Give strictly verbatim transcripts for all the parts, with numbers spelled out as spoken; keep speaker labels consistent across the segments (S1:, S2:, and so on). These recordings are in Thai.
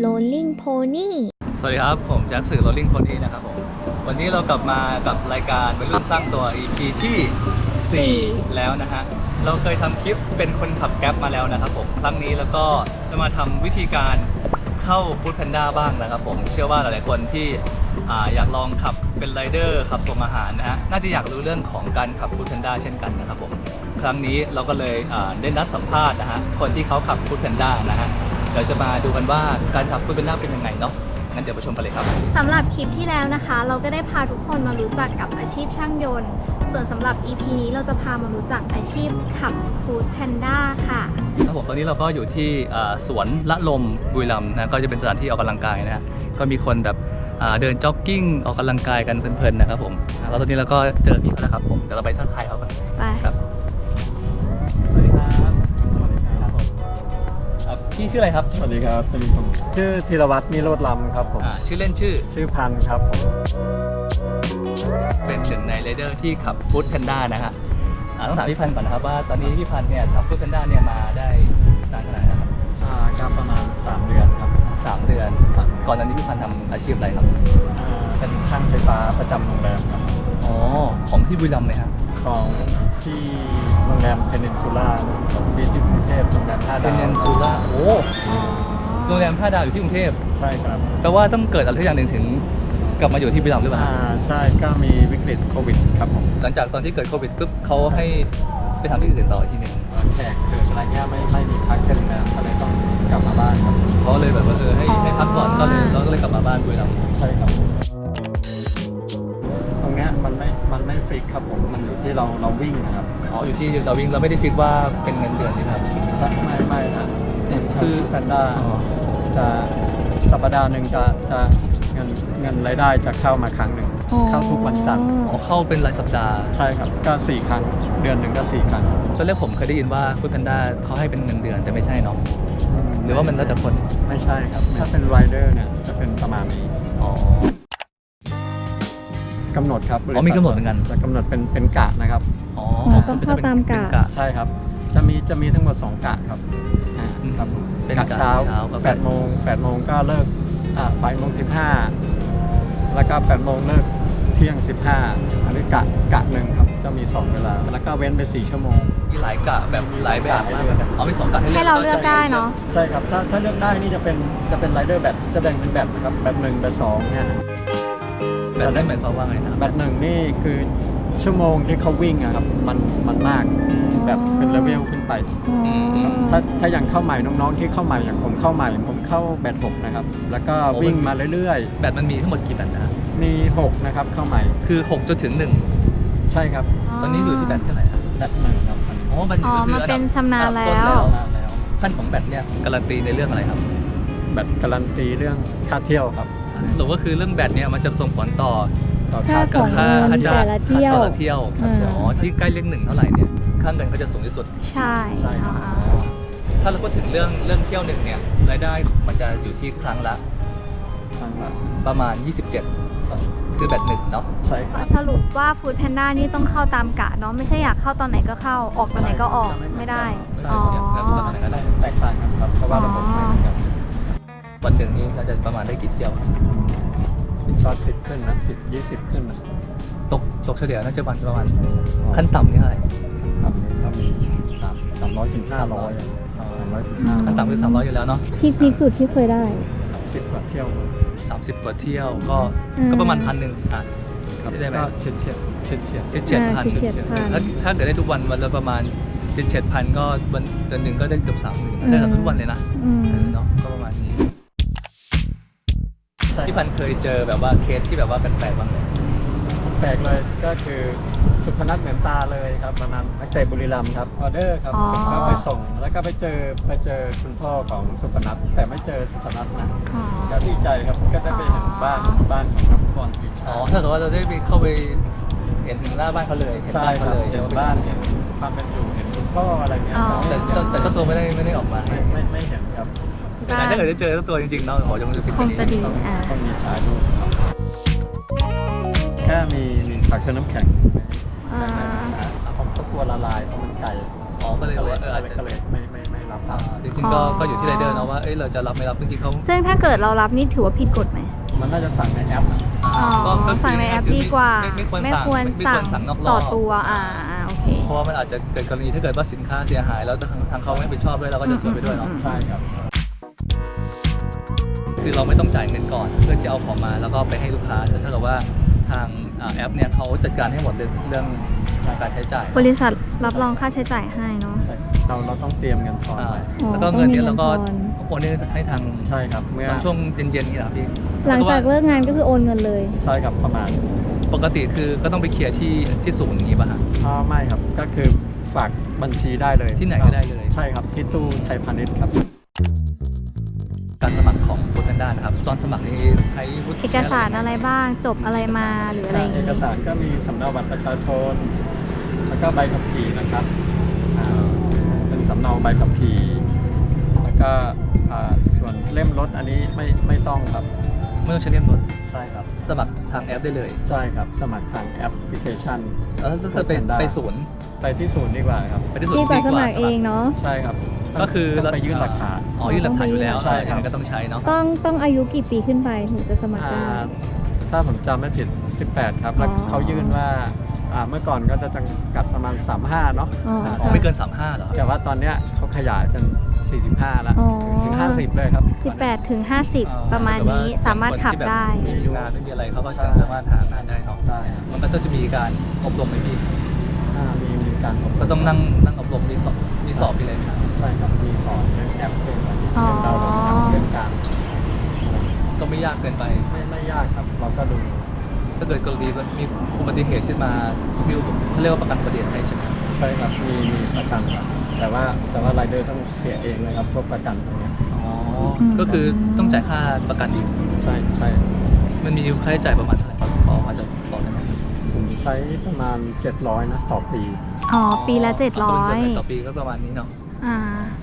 S1: Rolling Pony
S2: สวัสดีครับผมแจ็คสื่อ Rolling Pony นะครับผมวันนี้เรากลับมากับรายการวัยรุ่นสร้างตัว อี พี ที่สี่แล้วนะฮะเราเคยทำคลิปเป็นคนขับแก๊ปมาแล้วนะครับผมครั้งนี้แล้วก็จะมาทำวิธีการเข้า Food Panda บ้างนะครับผมเชื่อว่าหลายๆคนที่อ่าอยากลองขับเป็นไรเดอร์ขับส่งอาหารนะฮะน่าจะอยากรู้เรื่องของการขับ Food Panda เช่นกันนะครับผมครั้งนี้เราก็เลยอ่าได้นัดสัมภาษณ์นะฮะคนที่เขาขับ Food Panda นะฮะเดี๋ยวจะมาดูกันว่าการขับ Food Panda เป็นยังไงเนาะงั้นเดี๋ยวไปชมกันเลยครับ
S1: สำหรับคลิปที่แล้วนะคะเราก็ได้พาทุกคนมารู้จักกับอาชีพช่างยนต์ส่วนสำหรับ อี พี นี้เราจะพามารู้จักอาชีพขับ Food Panda ค่ะ
S2: ครับผมตอนนี้เราก็อยู่ที่สวนละลมบุรีรัมย์นะก็จะเป็นสถานที่ออกกำลังกายนะฮะก็มีคนแบบเดินจ็อกกิ้งออกกำลังกายกันเพลินๆนะครับผมแล้วตอนนี้เราก็เจอพี่เขาแล้วครับผมเดี๋ยวเราไปทักทายเขากัน
S1: ไป
S2: ครับสวัสดีครับสวัสดีครับผมพี่ชื่ออะไรครับ
S3: สวัสดีครับเป็นผมชื่อธีรวัฒน์นิโรธล้ำครับผม
S2: ชื่อเล่นชื่อ
S3: ชื่อพันครับผม
S2: เป็นหนึ่งในไรเดอร์ที่ขับ Food Panda นะฮะต้องถามพี่พันก่อนนะครับว่าตอนนี้พี่พันเนี่ยขับ Food Panda เนี่ยมาได้นานขนาดไหนครับ
S3: อ่าก็ประมาณสามเดือนครับ
S2: สามเดือนก่อนหน้านี้พี่พันทำอาชีพอะไรครับ
S3: อ่าเป็นช่างไฟฟ้าประจำโรงแรมครับ
S2: อ๋อของที่บุรีรัมย์เลยครับ
S3: ของที่โรงแรมเพนินซูล่าที่ที่กรุงเทพโรงแรมห้าดาว
S2: เพนินซูล่าโอ้โรงแรมห้าดาวอยู่ที่กรุงเทพ
S3: ใช่ครับ
S2: แปลว่าต้องเกิดอะไรสักอย่างหนึ่งถึงกลับมาอยู่ที่บุรีรัมย์หรือเปล่า
S3: อ่าใช่ก็มีวิกฤตโควิดครับผม
S2: หลังจากตอนที่เกิดโควิดปุ๊บเขาให้ไปทำที่อื่นต่อที่หนึ่ง
S3: แขกเกิดอะไรเงี้ยไม่ไม่มีพักกันนะก็เลยต้องกลับมาบ้านครับ
S2: เขาเลยแบบว่าเออให้ให้พักก่อนก็เลยเราก็เลยกลับมาบ้านบุรีรัมย์
S3: ใช่ครับตรงเนี้ยมันไม่มันไม่ฟิกครับผมมันอยู่ที่เราเราวิ่งนะครับ
S2: อ๋ออยู่ที่เราวิ่งเราไม่ได้ฟิกว่าเป็นเงินเดือนนี่ครับ
S3: ไม่ไม่นะคือแพนด้าจะสัปดาห์หนึ่งจะจะเงินเงินรายได้จะเข้ามาครั้งหนึ่งเข้าทุกวันจันทร์
S2: อ๋อเข้าเป็นรายสัปดาห์
S3: ใช่ครับก็สี่ครั้งเดือนหนึ่งก็สี่ครั้ง
S2: ตอนแรกผมเคยได้ยินว่าฟู้ดแพนด้าเขาให้เป็นเงินเดือนแต่ไม่ใช่เนาะหรือว่ามันแล้วแต่คน
S3: ไม่ใช่ครับถ้าเป็นไรเดอร์เนี่ยจะเป็นประมาณนี้
S2: อ๋อก
S3: ำหนดครับ
S2: อ๋อมีกำหนดเหมือนกัน
S3: จะกำหนดเป็นเป็นกะนะครับ
S1: อ๋อต้องเข้าตามกะ
S3: ใช่ครับจะมีจะมีทั้งหมดสองกะครับครับ
S2: เป็น
S3: กะเช้าแปดโมงแปดโมงก็เลิกอ่าบ่ายโมงสิบห้าแล้วก็แปดโมงเลิกเที่ยงสิบห้าอันนี้กะกะหนึ่งครับจะมีสองเวลาแล้วก็เว้นไปสี่ชั่วโมง
S2: มีหลายกะแบบหลายแบบมากเลยเอามีสองกะให้เลือก
S1: ให้เราเลือกได้เนาะ
S3: ใช่ครับถ้าถ้าเลือกได้นี่จะเป็นจะเป็นไรเดอร์แบบจะแบ่งเป็นแบบนะครับแบบหนึ่งแบบสองเนี่ย
S2: แบบนั้นหมายความว่าไงนะ
S3: แบบหนึ่งนี่คือชั่วโมงที่เขาวิ่งอะครับมันมันมากแบบเป็นเลเวลขึ้นไปถ้าถ้าอย่างเข้าใหม่น้องๆที่เข้าใหม่อย่างผมเข้าใหม่ผมเข้าแบตหกนะครับแล้วก็วิ่งมาเรื่อย
S2: ๆแบตมันมีทั้งหมดกี่แบตนะ
S3: มีหกนะครับเข้าใหม่
S2: คือหกจนถึงหนึ่ง
S3: ใช่ครับ
S2: ตอนนี้อยู่ที่แบตเท่าไหร่ครับ
S3: แบตหนึ่งครับ
S2: อ๋อมัน
S1: คือมันเป็นชำนาญแล้ว
S2: ขั้นของแบตเนี่ยการันตีในเรื่องอะไรครับ
S3: แบตการันตีเรื่องค่าเที่ยวครับ
S2: หรือว่าคือเรื่องแบตเนี่ยมันจะส่งผลต่อ
S1: ค่าของ
S2: ค่า
S1: ค่าจ้าง
S2: เที่ยวเที่ยวอ๋อที่ใกล้เลขหนึ่งเท่าไหร่เนี่ยค่าเงินเขาจะสูงที่สุด
S1: ใช่
S3: ใช่ครับ
S2: ถ้าเราพูดถึงเรื่องเรื่องเที่ยวหนึ่งเนี่ยรายได้มันจะอยู่ที่ครั้งละ
S3: ครั้งละ
S2: ประมาณยี่สิบเจ็ดคือแบตหนึ่งเนาะ
S3: ใช่ครับ
S1: สรุปว่า Food Panda นี่ต้องเข้าตามกะเนาะไม่ใช่อยากเข้าตอนไหนก็เข้าออกตอนไหนก็ออกไม่ได้
S3: อ๋อแตกต่างกันครับเพราะว่าระบบไม่เหมือนกัน
S2: วันหนึ่งนี้เราจะประมาณได้กี่เที่ยว
S3: ตอนสิบขึ้นนะสิบยี่สิบขึ้นนะ
S2: ตกตกเฉลี่ยน่าจะวันประมาณขั้นต่ำนี่เท่าไหร่
S3: ครับก็มีสามสามร้อยถึงห้าร้อยสามร้อยถึงห้า
S2: ขั้นต่ำคือสามร้อยอยู่แล้วเนาะ
S1: ที่พีคสุดที่เคยได้
S3: สิบกว่าเที่ยว
S2: สามสิบกว่าเที่ยวก็ก็ประมาณพันหนึ่งอ่ะใช่ได้ไหม
S3: เฉียดเฉียดเฉียดเฉียด
S2: เฉียดพันถ้าถ้าเกิดได้ทุกวันวันละประมาณเฉียดเฉียดพันก็วันเดือนหนึ่งก็ได้เกือบสามหมื่นได้ทุกวันเลยนะเนาะก็ประมาณนี้พี่พันเคยเจอแบบว่าเคสที่แบบว่าแปลกๆบ้างไหม
S3: แปลกเลยก็คือสุพนัทเหมือนตาเลยครับประมาณนักเตะบุรีรัมย์ครับออเดอร์ครับก็ไปส่งแล้วก็ไปเจอไปเจอคุณพ่อของสุพนัทแต่ไม่เจอสุพนัทนะก็ดีใจครับก็ได้ไปเห็นบ้านบ้านของนักบอลทีมชาติ
S2: อ๋อถ้าเกิดว่าเราได้ไปเข้าไปเห็นถึงหน้าบ้านเขาเลย
S3: เห็นบ้านเขาเลยเห็นบ้านเห็นความเป็นอยู่เห็นคุณพ่ออะไรเงี้ย
S2: แต่แต่เจ้าตัวไม่ได้ไม่ได้ออกมา
S3: ไม่ไม่ไม่เห็นครับ
S2: แต่ถ้าเกิดได้เจอเจ้าตัวจริงๆเนาะขอจะมันจะผิดกว่านี้
S3: ต้องมีถ่ายรูปแค่มีมีผักเชื้อน้ำแข็งผมก็กลัวละลายเพราะมันไกล
S2: อ๋อก็เลยว่าเอออาจจะ
S3: ก็เลยไม่ไม่ไม่รับ
S2: จริงซึ่งก็
S1: อ๋อ
S2: ก็อยู่ที่ไรเดอร์เนาะว่าเอ้ยเราจะรับไม่รับจริงๆเขา
S1: ซึ่งถ้าเกิดเรารับนี่ถือว่าผิดกฎไหม
S3: มันน่าจะสั่งในแอปนะ
S1: อ๋อ
S2: ก็ก็คือ
S1: สั่งในแอป
S2: ก็คือ
S1: ดีกว่า
S2: ไม่ไม่ควร
S1: ไม่
S2: สั่ง
S1: ควร
S2: ไม่
S1: สั่
S2: ควรสั่งนอกรอบ
S1: ต่อตัวอ่าอ่าโอเค
S2: เพราะว่ามันอาจจะเกิดกรณีถ้าเกิดว่าสินค้าเสียหายแล้วทางทางเขาไม่รับผิดชอบด้วยเราก็จะเสียไปด้วยเนาะ
S1: อืม
S3: ใช่ครับ
S2: คือเราไม่ต้องจ่ายเงินก่อนเพื่อจะเอาของมาแล้วก็ไปให้ลูกค้าแต่ถ้าเกิดว่าทางอ่าแอปเนี่ยเขาจัดการให้หมดเรื่องเรื่องการใช้จ่าย
S1: บริษัทรับรองค่าใช้จ่ายให้เนาะ
S3: เราเราต้องเตรียมเงินทอน
S2: อ่า
S3: ไว้
S1: อ๋อ
S2: แล้วก็เงินเนี้เราก็
S1: ต้องมีเงินทอน
S2: โอนให้ทาง
S3: ใช่ครับเมื่อ
S2: ตอนช่วงเย็นๆนี่แหละพี่
S1: หลังจากเลิกงานก็คือโอนเงินเลย
S3: ใช่ครับประมาณ
S2: ปกติคือก็ต้องไปเคลียร์ที่ที่ศูนย์อย่างนี้ป่ะฮะ
S3: อ๋อไม่ครับก็คือฝากบัญชีได้เลย
S2: ที่ไหนก็ได้เลย
S3: ใช่ครับที่ตู้ไทยพาณิชย์ครับ
S2: การสมัครของ Foodpanda นะครับตอนสมัครนี่ใช้วุฒิ
S1: เอกสารอะไรบ้างจบอะไรมาหรืออะไรอย่าง
S3: เอ
S1: งี้
S3: กสารก็มีสำเนาบัตรประชาชน แล้วก็ใบขับขี่นะครับอ่าเป็นสำเนาใบขับขี่แล้วก็อ่าส่วนเล่มรถอันนี้ไม่ไม่ต้องครับ
S2: ไม่ต้องใช้เล่มรถ
S3: ใช่ครับ
S2: สมัครทางแอปได้เลย
S3: ใช่ครับสมัครทางแอปพลิเคชัน
S2: แล้วถ้าเกิดไป
S3: Foodpanda
S2: ไปศูนย์
S3: ไปที่ศูนย์ดีกว่าครับ
S2: ไปที่ศูนย์
S1: ดีกว่าสมัคร
S2: ดี
S1: เองเนาะ
S3: ใช่ครับ
S2: ก็คือ
S3: ต้องไปยื่นหลักฐาน
S2: อ๋อยื่นหลักฐานอยู่แล้ว
S3: ใช่ครับ
S2: ยังไงก็ต้องใช้เนาะ
S1: ต้องต้องอายุกี่ปีขึ้นไปถึงจะสมัคร
S3: อ่า
S1: ได้
S3: ถ้าผมจำไม่ผิด สิบแปด ครับ แล้ว
S1: อ๋อ
S3: เขายื่นว่าอ่าเมื่อก่อนก็จะจำกัดประมาณ สามสิบห้า เนาะ
S1: อ๋ออ่
S3: า
S2: อ๋อไม่เกินสามห้าเหรอ
S3: แต่ว่าตอนเนี้ยเขาขยายเป็น สี่สิบห้า แล้ว
S1: อ๋อ
S3: ถึง ห้าสิบ เลยครับ
S1: สิบแปดถึงห้าสิบประมาณนี้สามารถขับได้
S2: ไม่มีงานไม่มีอะไรเขาก็จะสามารถหางานได้เนาะ
S3: ได้ครับ
S2: มันก็จะมีการอบรมไหมพี่
S3: อ่ามีมีการอบรม
S2: ก็ต้องนั่งนั่งอบรมมีสอบมีสอบไปเลยไหมครับ
S3: ใช่ครับ มีสอนเรื่องแอปเรื่องอะไร
S1: อ๋อ
S3: เรื่องดาวน์โหลดแอปเรื่องการ
S2: ก็ไม่ยากเกินไป
S3: ไม่ไม่ยากครับ เราก็ดู
S2: ถ้าเกิดกรณีมีอุบัติเหตุขึ้นมามีเขาเรียกว่าประกันอุบัติเหตุให้ใช่ไหม
S3: ใช่ครับ มีมีประกันครับ แต่ว่าแต่ว่ารายเดอร์ต้องเสียเองเลยครับพวกประกันตรงเนี้ย
S2: อ๋อก็คือต้องจ่ายค่าประกันอีก
S3: ใช่ใช่
S2: มันมีค่าใช้จ่ายประมาณเท่าไหร่ครับพอพอจะบอกได้ไหม
S3: ผมใช้ประมาณ เจ็ดร้อย นะต่อปี
S1: อ๋อ ปีละเจ็ดร้อย
S2: ต่อปีก็ประมาณนี้เนาะ
S1: อ่า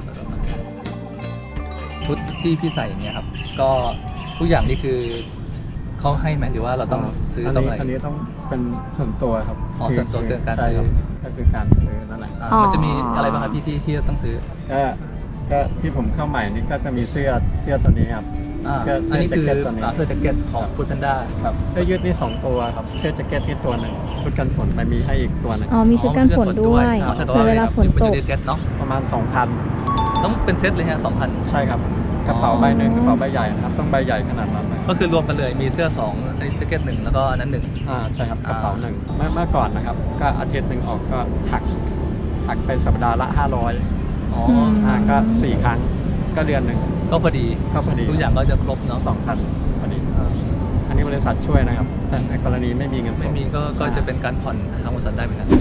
S2: ชุดที่พี่ใส่อย่างเงี้ยครับ ก็ทุกอย่างนี่คือเขาให้ไหมหรือว่าเราต้องซื้อ
S3: อัน
S2: ต้อง
S3: นี้
S2: อะไร
S3: อันนี้ต้องเป็นส่วนตัวครับ
S2: อ๋อส่วนตัวเรื่องการ
S3: ใช่
S2: ซื้อ
S3: คบก็คือการซื้อนั่นแหละ
S2: อ่า
S1: อ๋อ
S2: มันจะมีอะไรบ้างครับพี่ที่ที่ต้องซื้อ
S3: ก็ก็ที่ผมเข้าใหม่นี่ก็จะมีเสื้อเสื้อตัวนี้ครับ
S2: อ่า
S3: เสื้อ
S2: อันนี้คือ
S3: เสื้อแจ็คเก็ตตัวนี้
S2: อ่าเสื้อแจ็คเก็ตของฟูดแพนด้า
S3: ครับเสื้อยืดนี่สองตัวครับเสื้อแจ็คเก็ตนี่ตัวหนึ่งชุดกันฝนไปมีให้อีกตัวหนึ่ง
S1: อ๋อ มีชุดกันฝนด้วย
S2: อ๋อถ้าเกิด
S1: คือ
S2: ว่า
S1: เวลาฝน
S2: มัน
S1: ต
S2: จะ
S1: ก
S2: ได้เซ็ตเนาะ
S3: ประมาณ สองพัน
S2: ต้องเป็นเซ็ตเลยฮะสองพัน
S3: ใช่ครับกระเป๋าใบหนึ่งกระเป๋าใบใหญ่นะครับต้องใบใหญ่ขนาดนั้นเลย
S2: ก็คือรวมกันเลยมีเสื้อสองอันนี้แจ็คเก็ตหนึ่งแล้วก็อันนั้นหนึ่ง
S3: อ่าใช่ครับก
S2: อ่า
S3: ระเป๋าหนึ่งเมื่อเมื่อก่อนนะครับก็อาทิตย์หนึ่งออกก็หักหักไปสัปดาห์ละห้าร้อย
S2: อ๋อ
S1: ม
S3: อ่าก็สี่ครั้งก็เดือนหนึ่ง
S2: ก็พอดี
S3: ก็พอดี
S2: ทุกอย่างก็จะครบเนาะ
S3: สองพันพอดีอันนี้บริษัทช่วยนะครับ แต่ในกรณีไม่มีเงินส
S2: ไม่
S3: ด
S2: มีก็ก็จะเป็นการผ่อนทางบริษัทได้เหมือนกัน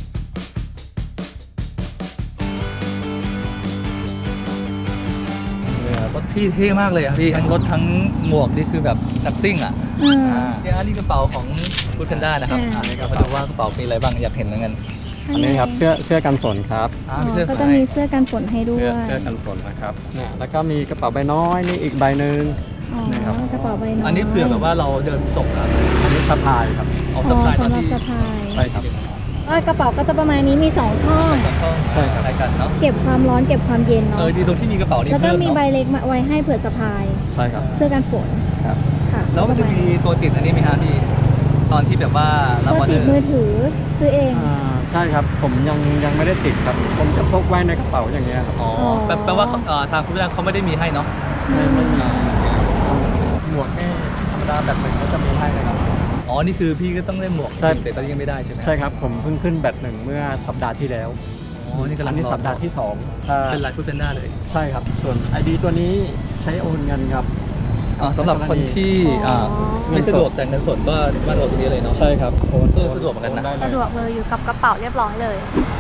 S2: รถพี่เท่มากเลยอะพี่ทั้งรถทั้งหมวกนี่คือแบบนักซิ่งอ่ะ
S1: อืม
S2: อ่าเนี่ยอันนี้กระเป๋าของฟูดแพนด้านะครับ
S1: อ่า
S2: อันนี้ก็มาดูว่ากระเป๋ามีอะไรบ้างอยากเห็นเหมือนกัน
S3: อันนี้ครับเสื้อเสื้อกันฝนครับ
S2: อ่า
S1: อ๋อ
S2: มีเสื้อ
S1: ก็
S2: ขาย
S1: จะมีเสื้อกันฝนให้ด้ว
S3: เสื้อย เสื้อกันฝนนะครับเนี่ยแล้วก็มีกระเป๋าใบน้อยนี่อีกใบหนึ่ง
S1: อ๋อ
S3: นี่ครับ
S1: กระเป๋าใบน้อย
S2: อันนี้เผื่อแบบว่าเราเดินส่งครับ
S3: อันนี้สะพายครับ
S2: เอา
S1: อ๋
S2: สะ
S1: อ
S2: พายตอน
S1: สำหรับ
S2: ที่
S1: สะพาย
S3: ใช่ครับ
S1: เออกระเป๋าก็จะประมาณนี้มีสองช่อง
S2: สองช่อง
S3: ใช่ครับ
S2: คล้ายกันเนาะ
S1: เก็บความร้อนเก็บความเย็น
S2: เอ
S1: เนาะ
S2: อดีตรงที่มีกระเป๋านี้
S1: แล้วก็
S2: เพิ่ม
S1: มีใบ
S2: เนาะ
S1: เล็กมาไว้ให้เผื่อสะพาย
S3: ใช่ครับ
S1: เสื้อกันฝน
S3: ครับ
S1: ค่ะ
S2: แล้วมันจะมีตัวติดอันนี้ไหมฮะพี่ตอนที่แบบว่ารับ
S1: เพื่
S2: อ
S1: อ
S2: อเด
S1: ติ
S2: อ
S1: ด
S2: ร์
S1: มือถือซื้อเอง
S3: อ่าใช่ครับผมยังยังไม่ได้ติดครับผมจะพกไว้ในกระเป๋าอย่างเงี้ยครับ
S2: อ๋อแปลแปลว่าเอ่อทางฟูดแพนด้าเขาไม่ได้มีให้เนาะ
S3: ไม่ไม่มีหมวกนี่ธรรมดาแบบหนึ่งก็จะมีให้นะครับ
S2: อ๋อนี่คือพี่ก็ต้องเล่นหมวก
S3: ใช่
S2: แต่ตอนนี้ยังไม่ได้ใช่ไหม
S3: ใช่ครับผมเพิ่งขึ้นแบตหนึ่งเมื่อสัปดาห์ที่แล้ว
S2: อ๋อนี่กำลั
S3: อั
S2: ง
S3: นนี้
S2: รอ
S3: สัปดาห์ที่สองถ้า
S2: เป็นลายฟูดแพนด้าเลย
S3: ใช่ครับส่วน ไอ ดี ตัวนี้ใช้โอนเงินครับ
S2: อ๋อสำหรับคนที่
S1: อ๋ออ่
S2: าไม่สะดวกจ่ายเงินสดก็มาโอนตรงนี้เลยเนาะ
S3: ใช่ครับโอน
S2: เออสะดวกเหมือนกันนะ
S3: โได้เลย
S1: สะดวกเลยอยู่กับกระเป๋าเรียบร้อยเลย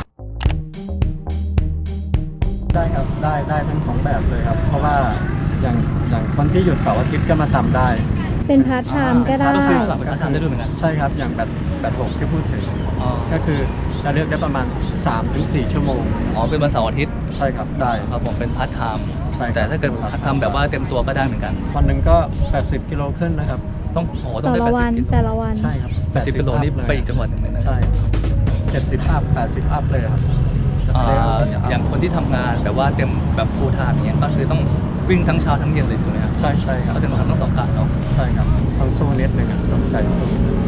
S3: ได้ครับได้ได้ทั้งสองแบบเลยครับ เพราะว่าอย่างอย่างคนที่หยุดเสาร์อาทิตย์ก็มาทำได้
S1: เป็นพาร์ทไทม์ก็ได้
S2: ก็คือสามารถทำได้ด้วยเหมือนกัน
S3: ใช่ครับอย่างแบบแบบหกที่พูดถึง
S2: อ๋อ
S3: ก็คือจะเลือกได้ประมาณ สามถึงสี่ ชั่วโมง
S2: อ๋อเป็นวันเสาร์อาทิตย์
S3: ใช่ครับได้
S2: ครับผมเป็นพาร์ทไทม์
S3: ใช่ครับ
S2: แต่ถ้าเกิดทำแบบว่าเต็มตัวก็ได้เหมือนกัน
S3: วันหนึ่งก็ แปดสิบ กิโลขึ้นนะครับ
S2: ต้องโอ้ต้อ
S1: แต่
S2: งได้
S1: ละ
S2: แปด
S1: วั
S2: สิ
S1: น
S2: บกิโล
S1: แต่ละวัน
S3: ใช่ครับ
S2: แปดสิบกิโลนี่
S3: เลย
S2: ไปอีกจังหวัดหนึ่งเลยนะ
S3: ใช่เจ็ดสิบอัพแปดสิบอัพเลยครับ
S2: จะอ่า
S3: เร็วครับ
S2: อย่างคนที่ทำงานแบบว่าเต็มแบบฟูลไทม์อย่างเงี้ยก็คือต้องวิ่งทั้งเช้าทั้งเย็นเลยถูกไหมครับ
S3: ใช่ใช่ครับ
S2: เขาจะต้องทำทั้งสองกะเนาะ
S3: ใช่ครับต้องสู้นิดนึงอ่ะต้องใจสู้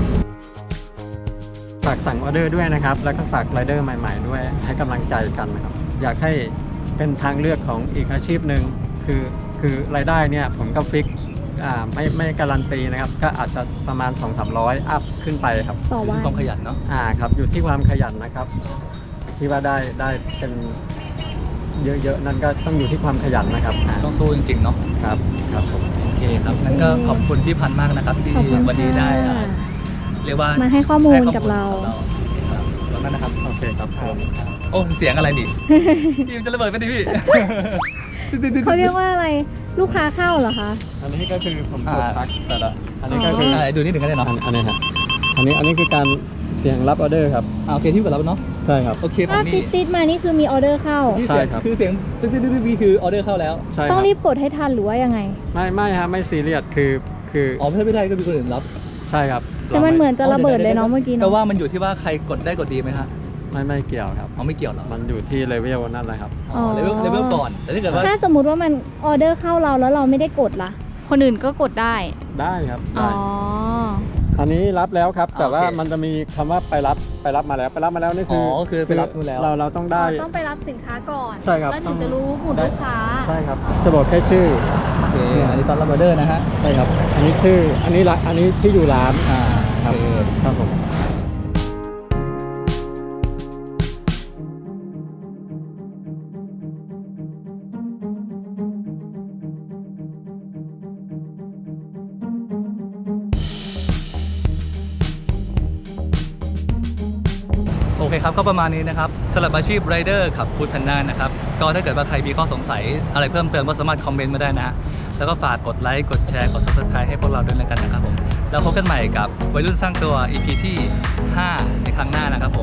S3: ฝากสั่งออเดอร์ด้วยนะครับ แล้วก็ฝากไรเดอร์ใหม่ๆด้วยให้กำลังใจกันนะครับ อยากให้เป็นทางเลือกของอีกอาชีพหนึ่งคือคือรายได้เนี่ยผมก็ฟิกอ่าไม่ไม่การันตีนะครับ ก็อาจจะประมาณ สองถึงสามร้อย อัพขึ้นไปครับ
S1: ต่อวัน
S2: ต้องขยันเนาะ
S3: อ่าครับอยู่ที่ความขยันนะครับ ที่ว่าได้ได้เป็นเยอะๆนั่นก็ต้องอยู่ที่ความขยันนะครับอ่า
S2: ต้องสู้จริงๆเนาะ
S3: ครับครับผม
S2: โอเคครับงั้นก็ขอบคุณพี่พันธ์มากนะครับ ที่
S1: ขอบคุณ
S2: วันนี้ได้อ่า
S1: ค่ะ
S2: เรียกว่า
S1: มาให้ข้อมูล
S2: ให้
S1: กับเรา
S2: ครับแล้วก็นะครับ
S3: โอเคครับผม
S2: โอ้เสียงอะไรดิ พี่มันจะระเบิดไปดิพี่
S1: เขาเรียกว่าอะไรลูกค้าเข้าเหรอคะ
S3: อันนี้ก็คือผมกด
S2: อ่า
S3: ทักแต่ละอันนี้ก็คือ
S2: อ่าดูนิดหนึ่งก็ได้เนาะ
S3: อันอันนี้ครับอันนี้อันนี้คือการเสียงรับออเดอร์ครับ
S2: อ่าโอเคที่กับเราเนาะ
S3: ใช่ครับ
S2: โอเคผม
S1: ถ้าติ
S2: นี่
S1: ดติดๆมานี่คือมีออเดอร์เข้า
S2: ที่เสียง
S3: ใช่ครับ
S2: คือเสียงตึ๊ดตึ๊ดตึ๊ดตึ๊ดคือออเดอร์เข้าแล้ว
S3: ใช่ค
S1: ต้
S3: รั
S1: อบ งรีบกดให้ทันหรือว่ายังไง
S3: ไม่ไม่ฮะไม่ซีเรียสคือคือ
S2: อ๋อไม่ใช่ไม่ได้ก็มีคนอื่นรับ
S3: ใช่ครับ
S1: แต่มันเหมือนจะระเบิดเลยเนาะเมื่อกี้
S2: แต่
S1: เนาะ
S2: ว่ามันอยู่ที่ว่าใครกดได้กดดีไหมฮะ
S3: ไม่ไม่เกี่ยวครับ
S2: อ๋อไม่เกี่ยวหรอ
S3: มันอยู่ที่เลเวลนั่นแหละครับ
S2: อ๋อเลเวลเลเวลก่อนแต่ถ้าเกิดว่า
S1: ถ้าสมมุติว่ามันออเดอร์เข้าเราแล้วเราไม่ได้กดล่ะ คนอื่นก็กดได้
S3: ได้ครับ
S1: อ๋
S3: ได้
S1: อ
S3: อันนี้รับแล้วครับ แต่ว่า
S2: โอเค
S3: มันจะมีคำว่าไปรับไปรับมาแล้วไปรับมาแล้วนี่คือ
S2: อคือไปรับนู่นแล้ว
S3: เราเราต้องได้
S1: เราต้องไปรับสินค้าก่อน
S3: ใช่ครับ
S1: แล้ว
S3: ต้
S1: ถึ
S3: อง
S1: งจะรู้หมุดลูกค้า
S3: ใช่ครับจะบอกแค่ชื่อ
S2: โอเคอันนี้ตอนรับออเดอร์นะฮะ
S3: ใช่ครับ อันนี้ชื่ออันนี้ละอันนี้ที่อยู่ร้าน
S2: อ่า
S3: ครับ
S2: โอเค
S3: ครับผม
S2: โอเคครับก็ประมาณนี้นะครับสำหรับอาชีพไรเดอร์ขับฟู้ดแพนด้านะครับก็ถ้าเกิดว่าใครมีข้อสงสัยอะไรเพิ่มเติมก็สามารถคอมเมนต์มาได้นะฮะแล้วก็ฝากกดไลค์กดแชร์กด ซับสไครบ์ ให้พวกเราด้วยแล้วกันนะครับผมแล้วพบกันใหม่กับวัยรุ่นสร้างตัว อี พี ที่ ห้า ในครั้งหน้านะครับผม